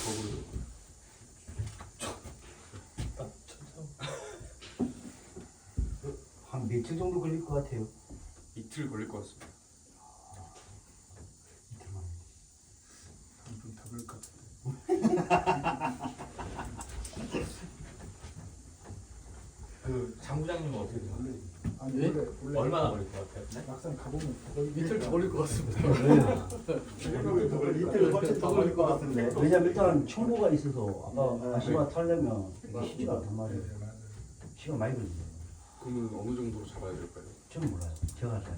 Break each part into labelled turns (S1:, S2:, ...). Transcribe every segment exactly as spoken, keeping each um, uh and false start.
S1: 거꾸로.
S2: 한 며칠 정도 걸릴 것 같아요?
S1: 이틀 걸릴 것 같습니다.
S2: 이틀만.
S1: 좀더 걸릴 것 같은데.
S3: 그 장부장님은 어떻게 생각해요?
S4: 아니
S3: 예?
S4: 원래 원래
S3: 얼마나 걸릴 것 같아요? 네?
S4: 막상 가보면 거의
S3: 이틀 더 걸릴 것 같습니다.
S2: 이틀 훨씬 더 걸릴 것 같은데. 왜냐면 일단 청구가 있어서 아까 아시마 타려면 이게 쉽지가 않단 말이에요.
S4: 네, 맞아요.
S2: 시간 많이 걸립니다.
S1: 그러면 어느 정도로 잡아야 될까요?
S2: 저는 몰라요. 제가 잘.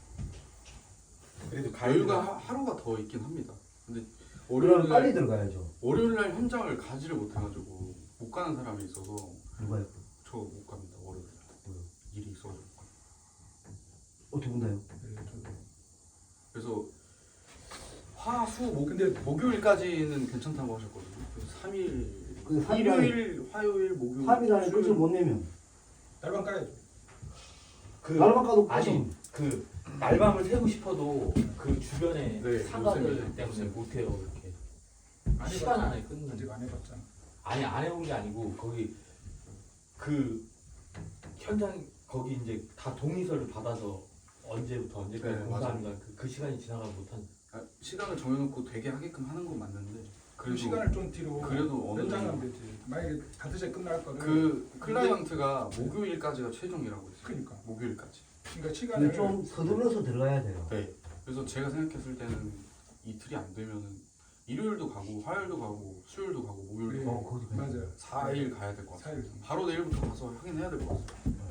S1: 그래도 여유가 하, 하루가 더 있긴 합니다. 근데
S2: 그럼
S1: 월요일
S2: 빨리
S1: 날
S2: 들어가야죠.
S1: 월요일 날 현장을 가지를 못해가지고 못 가는 사람이 있어서
S2: 누가요?
S1: 저 못 갑니다. 월요일 날
S2: 뭐요?
S1: 일이 있어가지고.
S2: 어, 두 분 다요?
S4: 네, 저도.
S1: 그래서 화수 목
S4: 근데
S1: 목요일까지는 괜찮다고 하셨거든요. 그래서 삼 일
S2: 근데 삼 일
S1: 일요일, 화요일, 목요일,
S2: 삼 일 안에
S1: 수요일.
S2: 끝을 못 내면
S4: 날방 까야죠.
S3: 그
S2: 날만 까도
S3: 아니
S2: 끝은
S3: 그 날밤을 새고 싶어도 그 주변에
S1: 네,
S3: 상가들
S1: 요새는
S3: 때문에 못 해요 이렇게.
S4: 안
S3: 시간
S4: 해봤잖아.
S3: 안에 끊는.
S4: 아직 안 해봤잖아.
S3: 아니 안 해본 게 아니고 거기 그 현장 거기 이제 다 동의서를 받아서 언제부터 언제까지
S1: 네,
S3: 공사합니다. 그, 그 시간이 지나가면 못한.
S1: 아, 시간을 정해놓고 되게 하게끔 하는 건 맞는데
S4: 그
S1: 그래도
S4: 시간을 좀 뒤로
S1: 그래도 어느
S4: 연장하면
S1: 정도
S4: 되지. 만약에 다섯 시에 끝날 거를
S1: 그 클라이언트가 목요일까지가 최종이라고 했어요.
S4: 그러니까.
S1: 목요일까지.
S4: 그러니까 시간을
S2: 근데 좀 서둘러서 들어가야 돼요.
S1: 네. 그래서 제가 생각했을 때는 이틀이 안 되면은 일요일도 가고 화요일도 가고 수요일도 가고 목요일도
S4: 네.
S1: 가고
S2: 어, 거기도
S4: 맞아요.
S1: 사 일 가야 될 것
S4: 사
S1: 같아요.
S4: 일.
S1: 바로 내일부터 가서 확인해야 될 것 같아요.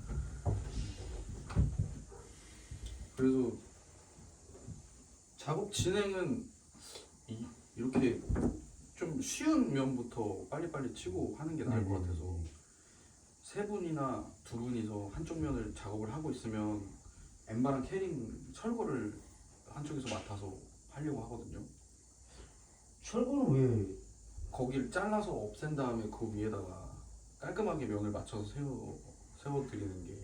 S1: 그래서 작업 진행은 이, 이렇게 좀 쉬운 면부터 빨리빨리 치고 하는 게 나을 것
S2: 네네.
S1: 같아서 세 분이나 두 분이서 한쪽 면을 작업을 하고 있으면 엠바랑 캐링 철거를 한쪽에서 맡아서 하려고 하거든요.
S2: 철거는 왜?
S1: 거기를 잘라서 없앤 다음에 그 위에다가 깔끔하게 면을 맞춰서 세워 세워드리는 게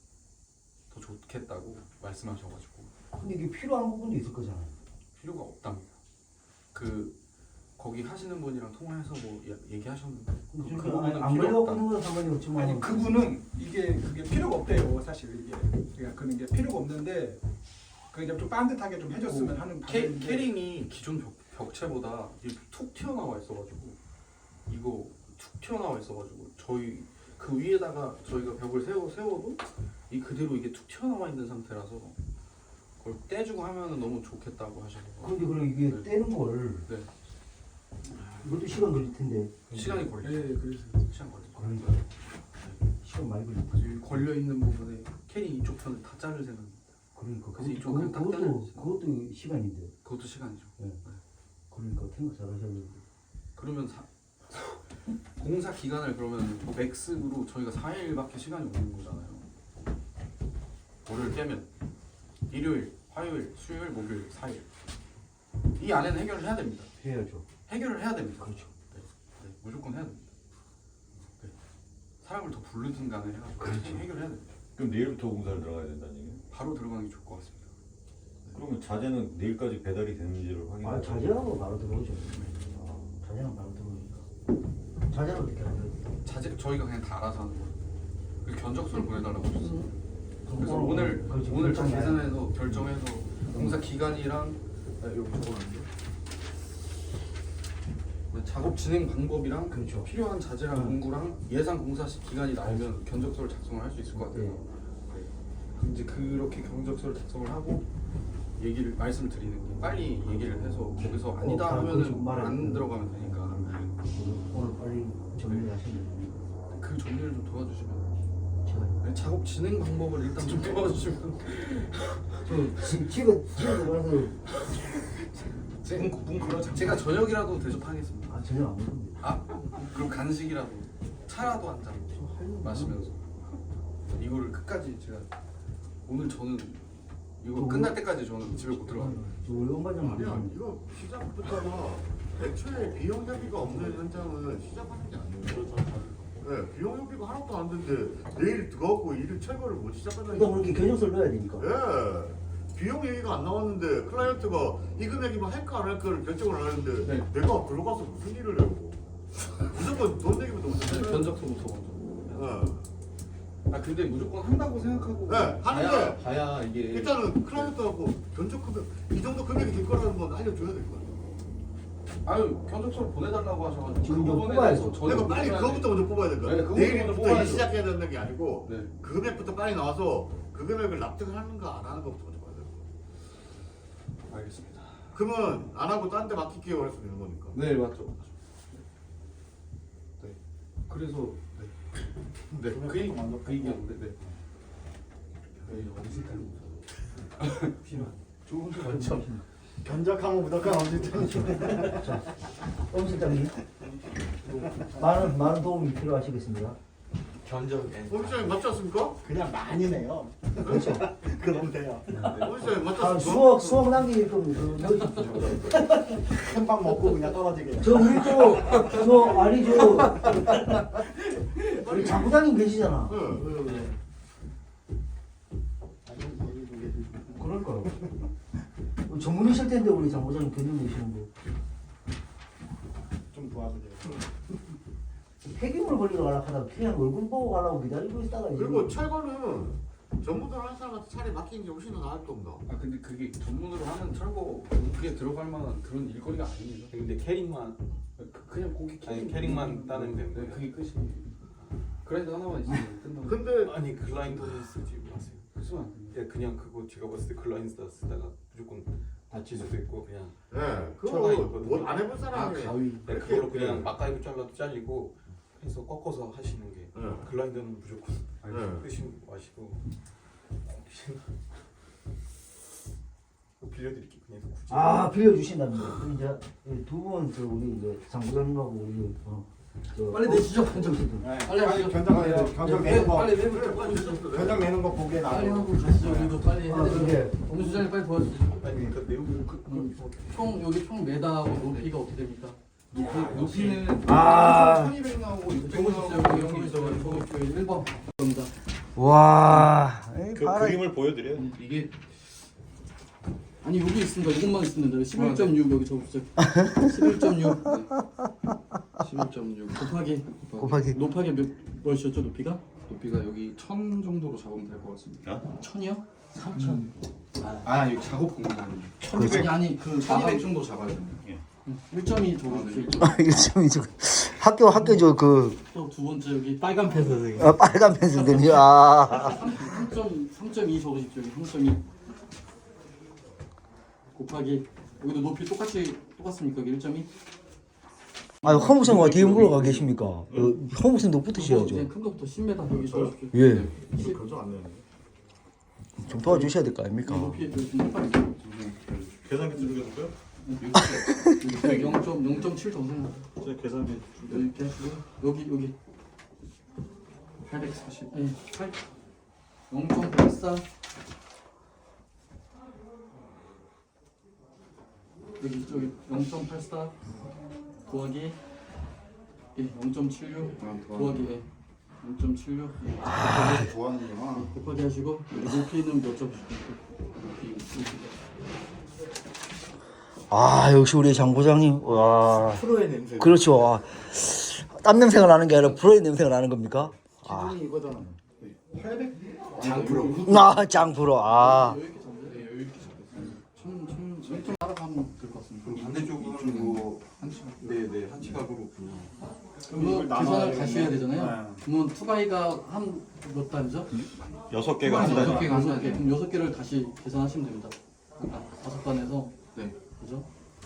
S1: 더 좋겠다고 말씀하셔가지고
S2: 근데 이게 필요한 부분도 있을 거잖아요.
S1: 필요가 없답니다. 그 거기 하시는 분이랑 통화해서 뭐 야- 얘기하셨는데 그, 그
S2: 그러니까
S1: 부분은
S2: 안
S1: 필요
S2: 걸려고
S1: 없다.
S2: 끊는 건 상관이 없지만
S4: 아니 그분은 이게 그게 필요가 없대요 사실 이게 그러니까 그런 게 필요가 없는데 그냥 좀 반듯하게 좀 해줬으면 하는
S1: 캐,
S4: 바람인데
S1: 캐링이 기존 벽, 벽체보다 이렇게 툭 튀어나와 있어가지고 이거 툭 튀어나와 있어가지고 저희 그 위에다가 저희가 벽을 세워 세워도 이 그대로 이게 툭 튀어나와 있는 상태라서 그걸 떼주고 하면은 너무 좋겠다고 하셔서
S2: 근데 그럼 이게
S1: 네.
S2: 떼는 걸
S1: 네.
S2: 이것도 시간 걸릴 텐데
S1: 시간이 걸려.
S4: 네 그래서
S1: 시간 걸려.
S2: 그러니까 시간 많이 걸릴 거지.
S1: 이 걸려 있는 부분에 캐링 이쪽 편을 다 자를 생각입니다.
S2: 그러니까
S1: 그래서
S2: 그것도
S1: 이쪽은
S2: 그거-
S1: 딱
S2: 그것도
S1: 잘라야지.
S2: 그것도 시간인데.
S1: 그것도 시간이죠.
S2: 그러니까 생각 잘 하셔야 되는데.
S1: 그러면 사, 공사 기간을 그러면 뭐 맥스로 저희가 사 일밖에 시간이 없는 거잖아요. 월요일 깨면 일요일, 화요일, 수요일, 목요일 사 일. 이 안에는 해결을 해야 됩니다.
S2: 해야죠.
S1: 해결을 해야 됩니다.
S2: 그렇죠.
S1: 네, 네, 무조건 해야 됩니다. 네. 사람을 더 부르든 간에 해가지고
S2: 그렇죠.
S1: 해결을 해야 됩니다.
S5: 그럼 내일부터 공사를 들어가야 된다는 얘기예요?
S1: 바로 들어가는 게 좋을 것 같습니다.
S5: 그러면 자재는 내일까지 배달이 되는지를 확인해야
S2: 아 자제하고 바로 들어오죠. 아, 자제는 바로 들어오니까. 자제는 어떻게 하세요?
S1: 자재 저희가 그냥 다 알아서 하는 거예요. 그래서 견적서를 보내달라고 하셨어요. 그래서
S2: 어,
S1: 오늘
S2: 그렇지,
S1: 오늘 다
S2: 결정 나요.
S1: 계산해서 결정해서 공사 기간이랑 아, 여기 적어놨는데 작업 진행 방법이랑
S2: 그렇죠.
S1: 필요한 자재랑
S2: 음.
S1: 공구랑 예상 공사 시 기간이 나오면 견적서를 작성을 할 수 있을 것 같아요.
S2: 네.
S1: 네. 그럼 이제 그렇게 견적서를 작성을 하고 얘기를 말씀을 드리는 게 빨리 얘기를 해서 거기서 아니다
S2: 어, 그렇죠.
S1: 하면은
S2: 말을
S1: 안
S2: 그-
S1: 들어가면 되니까
S2: 오늘 빨리 정리하시면 됩니다.
S1: 그 정리를 좀 도와주시면
S2: 제가
S1: 네, 작업 진행 방법을 일단 좀 도와주시면
S2: 저 집- 집에 집에 들어가서
S1: 문, 문 걸어 제가 저녁이라도 대접하겠습니다.
S2: 아 전혀 안 먹는데.
S1: 아 그럼 간식이라도 차라도 한 잔 마시면서 이거를 끝까지 제가 오늘 저는 이거 끝날 때까지 저는 집에 못 들어갑니다.
S2: 저 원래 엄마장
S6: 아니야
S2: 먹는
S6: 이거 시작부터잖아. 애초에 비용 대비가 없는 현장은 시작하는 게 아니에요. 네, 비용 대비가 하나도 안 되는데 내일 들어가고 일을 철거를 못 시작한다는
S2: 그러니까 그렇게 견적서를 넣어야 되니까.
S6: 예. 비용 얘기가 안 나왔는데 클라이언트가 이 금액이면 할까 안 할까를 결정을 안 하는데
S1: 네.
S6: 내가 글로 가서 무슨 일을 해고 무조건 돈 얘기부터 무슨 일
S1: 견적서부터 먼저.
S6: 네.
S1: 아 근데 무조건 한다고 생각하고
S6: 네, 하는데
S1: 봐야, 봐야 이게
S6: 일단은 클라이언트하고 견적 금액 이 정도 금액이 될 거라는 건 알려줘야 될 거 아니야.
S1: 아유 견적서를 보내달라고 하셔가지고
S2: 지금
S1: 그거
S2: 좀
S1: 보내서
S2: 뽑아야죠.
S1: 저는
S6: 내가 빨리
S1: 뽑아야
S6: 그거부터 먼저 뽑아야 될 거야.
S1: 네, 그거부터 먼저
S6: 내일부터
S1: 뽑아야죠.
S6: 일 시작해야 되는 게 아니고
S1: 네.
S6: 그 금액부터 빨리 나와서 그 금액을 납득을 하는가 안 하는 것부터 먼저 봐야 돼.
S1: 알겠습니다.
S6: 그러면 안 하고 딴 데 맡길게요 할 수도 있는 거니까.
S1: 네 맞죠. 맞죠. 네. 그래서 네. 네. 그 얘기 그 얘기였는데 네. 네. 어디서 필요한 좋은 거 맞죠.
S7: 견적하면 무조건 엄지짱이죠.
S2: 엄 실장님 많은 많은 도움이 필요하시겠습니다.
S3: 견적
S6: 오미장이 맞지 않습니까?
S7: 그냥 많이 내요.
S2: 그렇죠.
S7: 그럼 돼요.
S6: 오미장이 맞지
S2: 아,
S6: 않습니까?
S2: 수억 수억 남길 거면 그 여기
S7: 큰밥 먹고 그냥 떨어지게.
S2: 저 우리 저저 아니 저 우리 장부장님 계시잖아.
S6: 네.
S2: 그럴 거요. 전문이실 텐데 우리 장부장님 견적 내시는 거.
S7: 좀 도와주세요.
S2: 폐기물 걸리러 가려고 하다가 그냥 얼굴 보고 가려고 기다리고 있다가 이제
S6: 그리고 철거는 전문으로 하는 사람한테 차라리 맡기는 게 훨씬 더 나을 겁니다.
S1: 아 근데 그게 전문으로 하는 철거 그게 들어갈 만한 그런 일거리가 아닙니다.
S3: 근데 캐릭만
S1: 그, 그냥 고기
S3: 아니,
S1: 캐릭-
S3: 캐릭만 따면 되는
S1: 네,
S3: 거예요?
S1: 그게 끝이. 그래도 하나만 있으면 끝나고.
S6: 근데
S3: 아니 클라이언트는 쓰지 마세요.
S1: 쓰면 안 됩니다.
S3: 예, 그냥 그거 제가 봤을 때 클라이언트 쓰다가 무조건 다칠 수도 있고 그냥
S6: 네, 그거
S3: 철거가 있거든요.
S6: 뭐안 해본
S1: 아
S6: 사람이
S1: 가위.
S3: 네, 그걸로 그냥 막가위로 잘라도 잘리고 해서 꺾어서 하시는 게
S6: 네.
S3: 클라이언트는 무조건
S6: 네.
S3: 쓰시고 마시고 빌려드릴게요. 그냥 굳이
S2: 아 빌려주신답니다. 그럼 이제 두 분 저 우리 이제 장부장님하고 우리 어, 저
S1: 빨리 내시죠.
S2: 현정씨도
S7: 네,
S1: 빨리
S7: 빨리
S1: 하시죠.
S7: 견적 내는 견적 내는 거
S1: 빨리 내부
S6: 그래, 빨리
S1: 좀
S6: 내주세요.
S7: 견적 내는 거 보게
S1: 빨리
S7: 나고.
S1: 하고 가시죠. 우리도 빨리
S2: 아,
S1: 해야 되죠.
S2: 그게
S1: 오늘 수장님 빨리 도와주세요.
S3: 아니 그 내용 그,
S1: 음, 총 여기 총 매다하고 높이가 어떻게 됩니까? 높이, 높이는
S2: 아.
S1: 천이백 나오고 육백 나오고 이런 거 있어가지고 저기 일 번 겁니다.
S2: 와.
S5: 그 그림을 보여드려요.
S1: 이게 아니 여기 있습니다. 이것만 있으면 돼요. 십일 점 육 여기 적으세요. 십일 점 육. 네. 십일 점 육 곱하기
S2: 곱하기.
S1: 높하기 몇 몇이었죠 높이가? 높이가 여기 천 정도로 잡으면 될 것 같습니다.
S5: 어?
S1: 천이요? 삼천. 아 여기 작업 공간.
S2: 천이백.
S1: 아니 그 천이백 정도 잡아야 됩니다.
S5: 예.
S1: 일 점이 적어주세요. 일 점.
S2: 아, 이거 좀 이제 학교 학교 저그
S1: 또두 번째 여기 빨간 펜슬.
S2: 어, 빨간 펜슬들이 아.
S1: 삼 점 삼 점 이 적으십시오. 여기 삼 점 이 곱하기 여기도 높이 똑같이 똑같습니까? 여기 일 점 이.
S2: 아, 허무생 어떻게 물어가 계십니까? 어, 허무생도 붙으셔야죠.
S1: 큰 거부터 십 미터 여기 적으십시오.
S2: 예.
S1: 네. 십.
S6: 견적 안 내는
S2: 좀 도와주셔야 될 거 아닙니까?
S1: 높이 여기 좀 헷갈리죠.
S5: 계산기 준비해볼까요?
S1: 영 점 영 점 칠 더 생각.
S5: 제가 계산기
S1: 이렇게 하시고 여기 여기 팔백사십. 예, 팔. 영 점 팔사. 여기 저기 영 점 팔사 더하기 예, 영 점 칠육 더하기 예, 영 점 칠육
S6: 좋아하는구나.
S1: 곱하기 하시고 여기 높이는 몇 점? 높이
S2: 아, 역시 우리 장 부장님. 와.
S7: 프로의 냄새.
S2: 그렇죠. 아, 땀 냄새가 나는 게 아니라 불의 냄새가 나는 겁니까? 아,
S7: 기분이 이거잖아.
S1: 장프로.
S2: 나 장프로. 아.
S1: 여기 이렇게 잡으세요. 네, 여기 이렇게 잡으세요. 천천 천천 따라가면 될 것 같습니다.
S3: 그럼 반대쪽은 뭐 네네 한치각으로
S1: 그럼 계산을 다시 해야 되잖아요. 그러면 투바이가 한 몇 단이죠?
S5: 여섯 개가 한
S1: 여섯
S5: 단위.
S1: 개가 한 단. 그럼 여섯 개를 다시 계산하시면 됩니다. 아, 다섯 단에서 네, 그죠?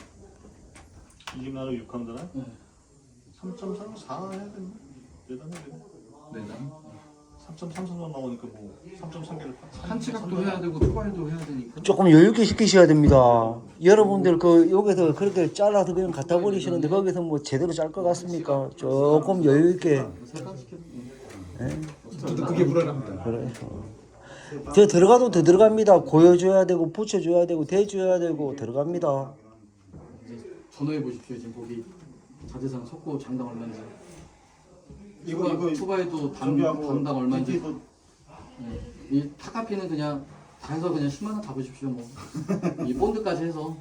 S5: 이십 나누 육 한 단에
S1: 네,
S5: 삼 점 삼사 해야 되나? 네 단에
S1: 네 단.
S5: 삼 점 삼사 나오니까 뭐 삼 점 삼 개를
S1: 한치각도 해야 되고 투바이도 해야 되니까.
S2: 조금 여유 있게 시키셔야 됩니다. 여러분들 그 여기서 그렇게 잘라서 그냥 갖다 버리시는데 거기서 뭐 제대로 짤 것 같습니까? 조금 여유 있게.
S1: 세단 시켜.
S4: 저도 그게 불안합니다.
S2: 그래. 더 들어가도 더 들어갑니다. 고여줘야 되고 붙여줘야 되고 대줘야 되고 들어갑니다.
S1: 전화해 보십시오. 지금 거기 자재상 석고 장당 얼마인지.
S7: 이거 이거
S1: 투바이도 단,
S7: 준비하고
S1: 단당 얼마인지.
S7: 디티도
S1: 네. 이 타카피는 그냥
S8: 해서 그냥 십만 원 잡으십시오 뭐. 이 본드까지 해서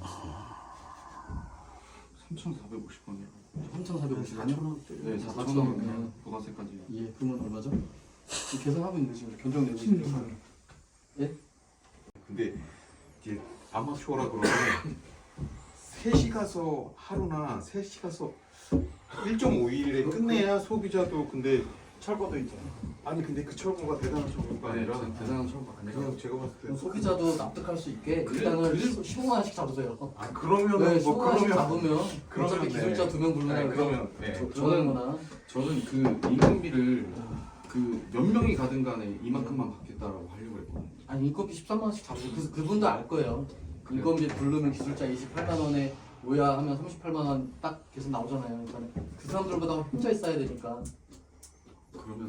S9: 삼천사백오십 원이요.
S8: 삼천사백오십 원이요?
S9: 네, 사천 원 그냥 부가세까지.
S8: 예, 그러면 얼마죠? 계산하고 있는 거지. 견적 내고 있는 거. 예?
S9: 근데 이제 아마추어라 그러면 셋이 가서 하루나 셋이 가서 일 점 오 일에 끝내야 소비자도 근데
S7: 철거도 있잖아.
S9: 아니 근데 그 철거가 대단한 철거가 아니라
S8: 대단한 철거 아니라
S9: 그냥 제가 봤을 때
S8: 소비자도 납득할 수 있게
S9: 그래,
S8: 일단은
S9: 그래.
S8: 십오만 원씩 잡으세요.
S9: 아 그러면은
S8: 네,
S9: 뭐
S8: 십오만 원씩
S9: 그러면
S8: 잡으면
S9: 그러면
S8: 어차피
S9: 네.
S8: 기술자 두 명
S9: 네,
S8: 부르면
S9: 그러면 네.
S8: 저는 거나
S10: 저는 그 인건비를 그 몇 명이 가든 간에 이만큼만 받겠다라고 하려고 했거든요.
S8: 아니 인건비 십삼만 원씩 잡으세요. 그, 그분도 알 거예요. 인건비 부르면 기술자 이십팔만 원에 오야 하면 삼십팔만 원 딱 계속 나오잖아요. 그러니까 그 사람들보다 혼자 있어야 되니까.
S10: 그러면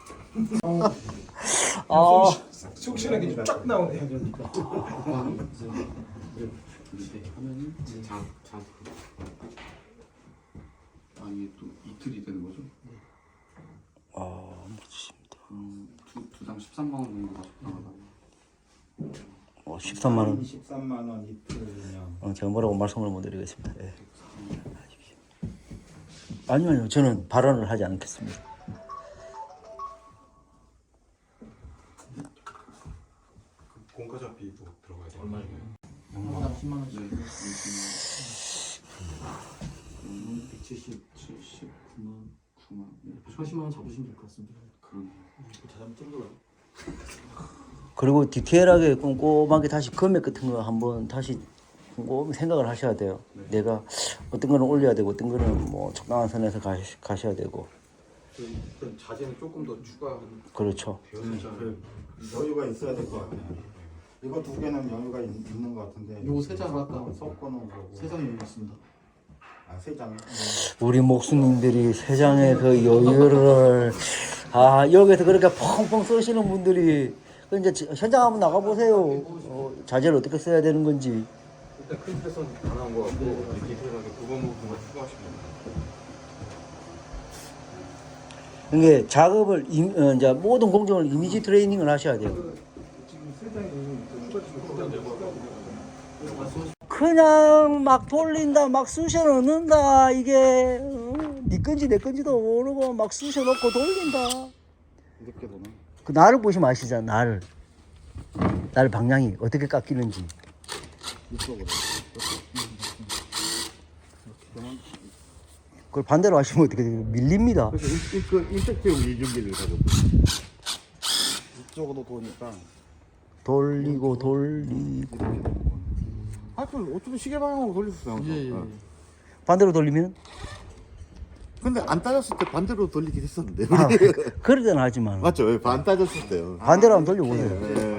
S2: 아,
S4: 속 시원하게 쫙 나오네.
S10: 이렇게 하면은 자자 아 이게 또 이틀이 되는 거죠?
S2: 아, 멋지십니다.
S10: 음, 두 두당 십삼만 원 정도 나가다가
S2: 어, 십삼만 원.
S7: 십삼만 원 이틀이면
S2: 어, 제가 뭐라고 말씀을 못 드리겠습니다. 예. 아니요, 아니요. 저는 발언을 하지 않겠습니다.
S9: 공과자비도 들어가야 돼요.
S3: 얼마예요?
S8: 하나당 십만 원씩.
S10: 네.
S8: 음, 백칠십, 칠십, 구만, 구만. 백팔십만 원 잡으시면 될 것 같습니다.
S10: 그런
S3: 자전 찐거라.
S2: 그리고 디테일하게 꼼꼼하게 다시 금액 같은 거 한번 다시 꼼꼼히 생각을 하셔야 돼요. 내가 어떤 거는 올려야 되고 어떤 거는 뭐 적당한 선에서 가, 가셔야 되고.
S9: 그럼 자재는 조금 더 추가하는
S2: 그렇죠.
S7: 그 여유가 있어야 될 것 같아요. 이거 두 개는 여유가 있, 있는 것 같은데.
S8: 요거 세 장을 할까?
S7: 섞어놓은 거고.
S8: 세 장이 있습니다.
S7: 아, 세 장.
S2: 우리 목수님들이 세상의 그 여유를 아 여기서 그렇게 펑펑 쓰시는 분들이 그 이제 현장 한번 나가 보세요. 어, 자재를 어떻게 써야 되는 건지.
S9: 일단 큰 패선 다 나온 거 같고 이렇게 디테일하게 부분 부분만 추가하시면 돼요.
S2: 이게 작업을 임, 어, 이제 모든 공정을 이미지 트레이닝을 하셔야 돼요.
S4: 지금 세 장이 추가 추가
S2: 그냥 막 돌린다, 막 쑤셔 넣는다. 이게 어, 네 건지 내 건지도 모르고 막 쑤셔 넣고 돌린다.
S7: 이렇게 보면.
S2: 그 나를 보시면 아시잖아. 나를 날 방향이 어떻게 깎이는지.
S7: 이쪽으로.
S2: 그걸 반대로 하시면 어떻게 돼요? 밀립니다.
S6: 그래서 인적대용 이중기를 가지고
S7: 이쪽으로 도니까
S2: 돌리고 돌리고
S7: 이렇게 되는 거야.
S6: 아, 그 어쩌면 시계 방향으로 돌렸어요. 항상.
S8: 예, 예.
S6: 어.
S2: 반대로 돌리면
S6: 근데 안 따졌을 때 반대로 돌리긴 했었는데.
S2: 아, 그러든 하지만
S6: 맞죠? 예, 반 따졌을 때요.
S2: 반대로 한번 돌려보세요.
S6: 예, 예.